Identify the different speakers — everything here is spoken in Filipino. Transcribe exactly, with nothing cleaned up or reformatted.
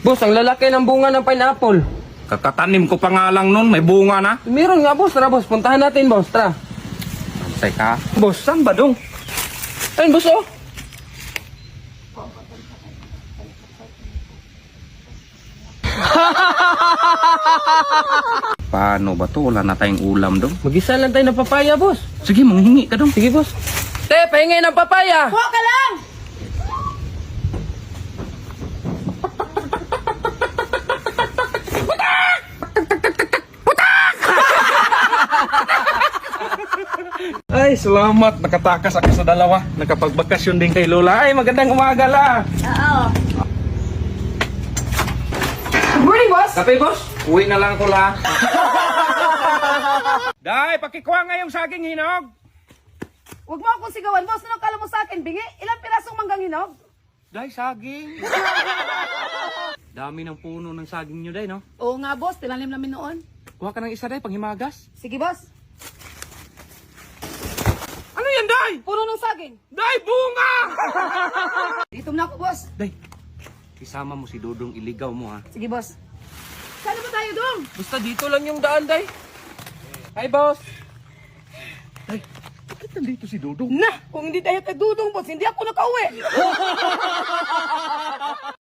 Speaker 1: Boss, ang lalaki ng bunga ng pineapple.
Speaker 2: Kakatanim ko pa nga lang nun, may bunga na.
Speaker 1: Meron nga, boss. Tara, boss. Puntahan natin, boss. Tara.
Speaker 2: Teka, boss, saan ba dong?
Speaker 1: Ayun, boss, oh.
Speaker 2: Paano ba to? Wala na tayong ulam dong.
Speaker 1: Mag-isa lang tayo ng papaya, boss.
Speaker 2: Sige, manghingi ka dong.
Speaker 1: Sige, boss. Te, pahingi ng papaya.
Speaker 3: Kuha ka lang!
Speaker 2: Ay, salamat. Nakatakas ako sa dalawa. Nakapagbakasyon din kay Lola. Ay, magandang umaga la.
Speaker 3: Oo. Good morning, boss!
Speaker 2: Kape, boss? Uwi na lang ko la. Day, pakikuha nga yung saging hinog.
Speaker 3: Huwag mo akong sigawan, boss. Ano kala mo sa akin, bingi? Ilang pirasong manggang hinog?
Speaker 2: Day, saging. Dami ng puno ng saging nyo, Day, no?
Speaker 3: Oo nga, boss. Tinanim namin noon.
Speaker 2: Kuha ka ng isa, Day, panghimagas.
Speaker 3: Sige, boss.
Speaker 2: Ano yan, Day?
Speaker 3: Puno ng saging.
Speaker 2: Day, bunga!
Speaker 3: Dito na ako, boss.
Speaker 2: Day, isama mo si Dudong, iligaw mo, ha?
Speaker 3: Sige, boss. Saan ba tayo, Dong?
Speaker 1: Basta dito lang yung daan, day. Hi, boss.
Speaker 2: Day, bakit nandito si Dudong?
Speaker 3: Na! Kung hindi tayo kay Dudong, boss, hindi ako nakauwi.